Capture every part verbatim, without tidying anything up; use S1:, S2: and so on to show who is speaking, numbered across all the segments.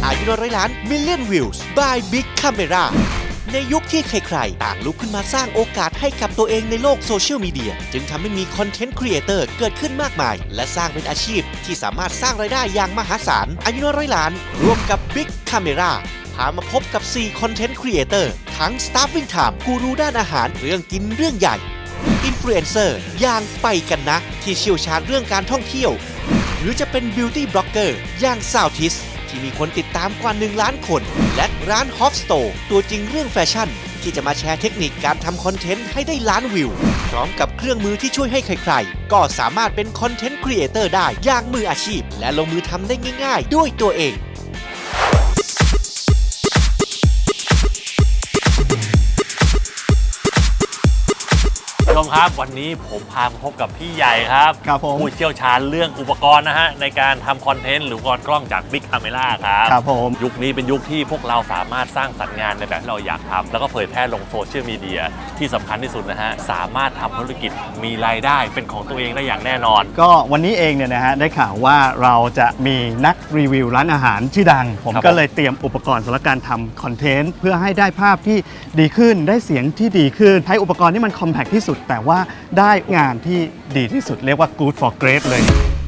S1: อายุร้อยล้าน Million Views by Big Camera ในยุคที่ใครๆต่างลุกขึ้นมาสร้างโอกาสให้กับตัวเองในโลกโซเชียลมีเดียจึงทำให้มีคอนเทนต์ครีเอเตอร์เกิดขึ้นมากมายและสร้างเป็นอาชีพที่สามารถสร้างรายได้อย่างมหาศาลอายุร้อยล้านร่วมกับ Big Camera พามาพบกับสี่คอนเทนต์ครีเอเตอร์ทั้ง Starving Time กูรูด้านอาหารเรื่องกินเรื่องใหญ่อินฟลูเอนเซอร์อย่างไปกันนะที่เชี่ยวชาญเรื่องการท่องเที่ยวหรือจะเป็นบิวตี้บล็อกเกอร์อย่างซาวทิสที่มีคนติดตามกว่าหนึ่งล้านคนและร้านฮอฟสโตร์ตัวจริงเรื่องแฟชั่นที่จะมาแชร์เทคนิคการทำคอนเทนต์ให้ได้ล้านวิวพร้อมกับเครื่องมือที่ช่วยให้ใครๆก็สามารถเป็นคอนเทนต์ครีเอเตอร์ได้อย่างมืออาชีพและลงมือทำได้ง่ายๆด้วยตัวเอง
S2: ชมครับวันนี้ผมพามาพบกับพี่ใหญ่ครับ
S3: ครับผม
S2: ผู้เชี่ยวชาญเรื่องอุปกรณ์นะฮะในการทำคอนเทนต์หรืออุปกรณ์กล้องจาก Big Camera ครับ
S3: ครับผม
S2: ยุคนี้เป็นยุคที่พวกเราสามารถสร้างสรรค์งานในแบบที่เราอยากทำแล้วก็เผยแพร่ลงโซเชียลมีเดียที่สำคัญที่สุดนะฮะสามารถทำธุรกิจมีรายได้เป็นของตัวเองได้อย่างแน่นอน
S3: ก็วันนี้เองเนี่ยนะฮะได้ข่าวว่าเราจะมีนักรีวิวร้านอาหารชื่อดังผมก็เลยเตรียมอุปกรณ์สำหรับการทำคอนเทนต์เพื่อให้ได้ภาพที่ดีขึ้นได้เสียงที่ดีขึ้นใช้อุปกรณ์ที่มันคอมแพคที่สุดแต่ว่าได้งานที่ดีที่สุดเรียกว่า good for great เลย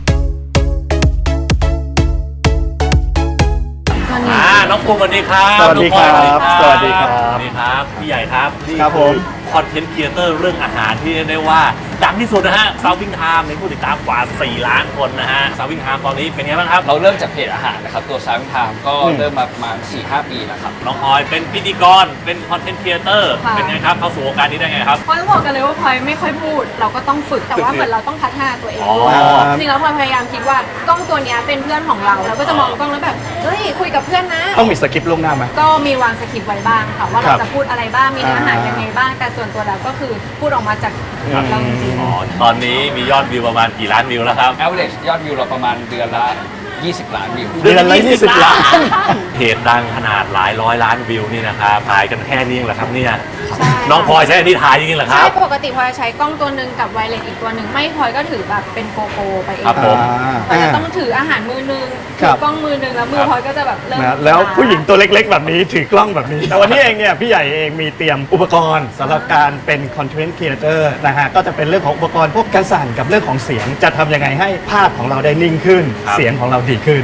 S2: อ่าน้องปูสวัสดีครับ
S3: สวัสดีครับ
S2: สวัสดีครับสวัสดีครับพี่ใหญ่ครับ
S3: ครับผม
S2: คอนเทนต์ครีเอเตอร์เรื่องอาหารที่เรียกได้ว่าดังที่สุดนะฮะ Starving Time มีผู้ติดตามกว่าสี่ล้านคนนะฮะ Starving Time ตอนนี้เป็นไงบ้างครับ
S4: เราเริ่มจากเพจอาหารนะครับตัว Starving Time ก็เริ่มมาประมาณ สี่ห้า ปีแล้วครับ
S2: น้องออยเป็นพิธีกรเป็นคอนเทนต์ครีเอเตอร์เป็นไงครับเข้าสู่วงการนี้ได้ไงครับ
S5: พลอยต้องบอกกันเลยว่าพลอยไม่ค่อยพูดเราก็ต้องฝึกแต่ว่าเหมือนเราต้องพัฒนาตัวเองจริงแล้วพลอยพยายามคิดว่ากล้องตัวนี้เป็นเพื่อนของเราเราก็จะมองกล้องแล้วแบบเฮ้ยคุยกับเพื่อนนะ
S3: ต้องมีสคริปต์ล่วงหน้าไหม
S5: ก็มีวางสคริปต์ไว้บ้างค่ะว่าเราจะพูดอะไรบ้างมีเนื้อหายังไงบ้างแต่ส่วนตัวแล้วก็คือพูดออกมาจากเราจริง
S2: ๆตอนนี้มียอดวิวประมาณกี่ล้านวิวแล้วครับ
S4: average ยอดวิวเราประมาณเดือนละยี่สิบล้านวิว
S3: เดือนละยี่สิบล้าน
S2: เพจดังขนาดหลายร้อยล้านวิวนี่นะครับถ่ายกันแค่นี้เหรอครับเนี่ยน้องพลอยใช้อันนี้ถ่ายจริงๆเหรอครับ
S5: ใช่ปกติพลอยใช้กล้องตัวหนึ่งกับไวเลสอีกตัวหนึ่งไม่พลอยก็ถือแบบเป็นโกโปรไปเอง
S2: ครับผม
S5: พลอยจะต้องถืออาหารมือหนึ่งถือกล้องมือหนึ่งแล้วมือพลอยก็จะแบบเริ่ม
S3: แล้วผู้หญิงตัวเล็กๆแบบนี้ถือกล้องแบบนี้แต่วันนี้เองเนี่ยพี่ใหญ่เองมีเตรียมอุปกรณ์สำหรับการเป็นคอนเทนต์ครีเอเตอร์นะฮะก็จะเป็นเรื่องของอุปกรณ์พวกการสั่นกับเรื่องของเสียงจะทำยังไงให้ภาพของเราได้นิ่งขึ้นเสียงของเราดีขึ้น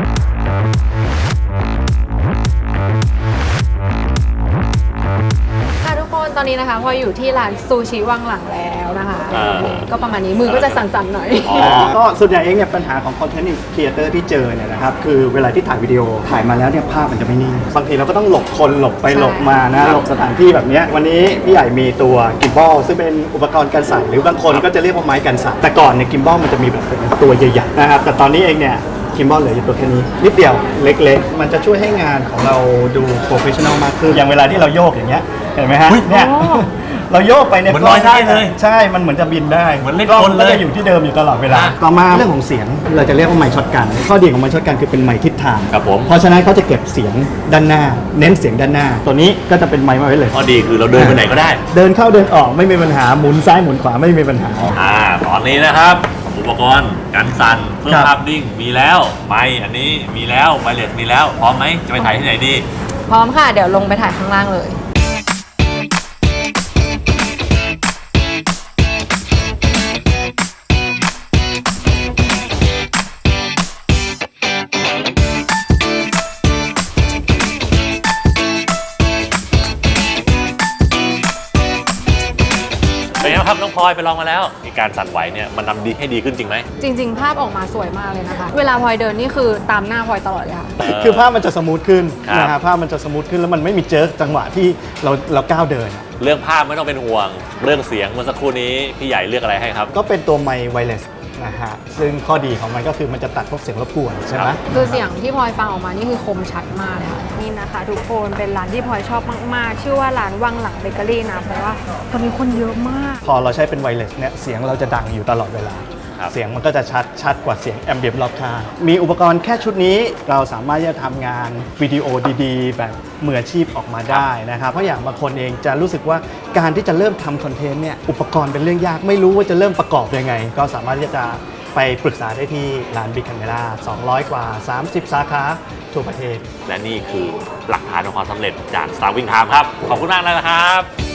S5: ตอนนี้นะคะพออยู่ที่ร้านซูชิวังหลังแล้วนะคะก็ประมาณนี้มือก็จะสั่นๆหน่อย
S3: ก็ส่วนใหญ่เองเนี่ยปัญหาของคอนเทนต์ครีเอเตอร์ที่เจอเนี่ยนะครับคือเวลาที่ถ่ายวิดีโอถ่ายมาแล้วเนี่ยภาพมันจะไม่นิ่งบางทีเราก็ต้องหลบคนหลบไปหลบมานะหลบสถานที่แบบนี้วันนี้พี่ใหญ่มีตัวกิมบอลซึ่งเป็นอุปกรณ์กันสั่นหรือบางคนก็จะเรียกว่าไม้กันสั่นแต่ก่อนเนี่ยกิมบอลมันจะมีแบบเป็นตัวใหญ่ๆนะครับแต่ตอนนี้เองเนี่ยกิมบอลเหลืออยู่ตัวแค่นี้นิดเดียวเล็กๆมันจะช่วยให้งานของเราดูโปรเฟชชั่นอลมากขึ้นอย่างเวลาที่เราโยกอย่างเงี้ยเห็นไหมฮะเนี่ยเราโยกไปเนี่ย
S2: มันลอยได้เลย
S3: ใช่มันเหมือนจะบินได้
S2: เหมือนเล่นคนเลย
S3: จะอยู่ที่เดิมอยู่ตลอดเวลาต่อมาเรื่องของเสียงเราจะเรียกว่าไมค์ช็อตกันข้อดีของไมค์ช็อตกันคือเป็นไมค์ทิศทาง
S2: ครับผม
S3: เพราะฉะนั้นเขาจะเก็บเสียงด้านหน้าเน้นเสียงด้านหน้าตัวนี้ก็จะเป็นไมค์มาไว้เลย
S2: ข้อดีคือเราเดินไปไหนก็ได้
S3: เดินเข้าเดินออกไม่มีปัญหาหมุนซ้ายหมุนขวาไม่มีปัญหา
S2: อ่าตอนนี้นะครับอุปกรณ์กันสั่นเพื่อภาพนิ่งมีแล้วไมค์อันนี้มีแล้วไวเลสมีแล้วพร้อมไหมจะไปถ่ายที่ไหนดี
S5: พร้อมค่ะเดี๋ยวลงไปถ่ายข้างล่างเลย
S2: ครับน้องพลอยไปลองมาแล้วมีการสั่นไหวเนี่ยมันทำดีให้ดีขึ้นจริงไหม
S5: จริงๆภาพออกมาสวยมากเลยนะคะเวลาพลอยเดินนี่คือตามหน้าพลอยตลอดเลยค่ะ
S3: คือภาพมันจะสมูทขึ้นนะฮะภาพมันจะสมูทขึ้นแล้วมันไม่มีเจิร์กจังหวะที่เราเราก้าวเดิน
S2: เรื่องภาพไม่ต้องเป็นห่วงเรื่องเสียงเมื่อสักครู่นี้พี่ใหญ่เลือกอะไรให้ครับ
S3: ก็เป็นตัวไมค์ไวเลสนะฮะซึ่งข้อดีของมันก็คือมันจะตัดพวกเสียงรบกวนใช่ไหม
S5: คือเสียงที่พลอยฟังออกมานี่คือคมชัดมากค่ะนี่นะคะทุกคนเป็นร้านที่พลอยชอบมากๆชื่อว่าร้านวังหลังเบเกอรี่นะเพราะว่าตอนนี้คนเยอะมาก
S3: พอเราใช้เป็นไวเลสเนี่ยเสียงเราจะดังอยู่ตลอดเวลาเสียงมันก็จะชัดชัดกว่าเสียงแอมเบียนรอบข้างมีอุปกรณ์แค่ชุดนี้เราสามารถจะทำงานวิดีโอดีๆแบบมืออาชีพออกมาได้นะครับเพราะอย่างบางคนเองจะรู้สึกว่าการที่จะเริ่มทำคอนเทนต์เนี่ยอุปกรณ์เป็นเรื่องยากไม่รู้ว่าจะเริ่มประกอบยังไงก็สามารถที่จะไปปรึกษาได้ที่ร้าน Big Camera สองร้อยกว่าสามสิบสาขาทั่วประเทศ
S2: และนี่คือหลักฐานของความสำเร็จจาก Starving Time ครับ ขอบคุณมากนะครับ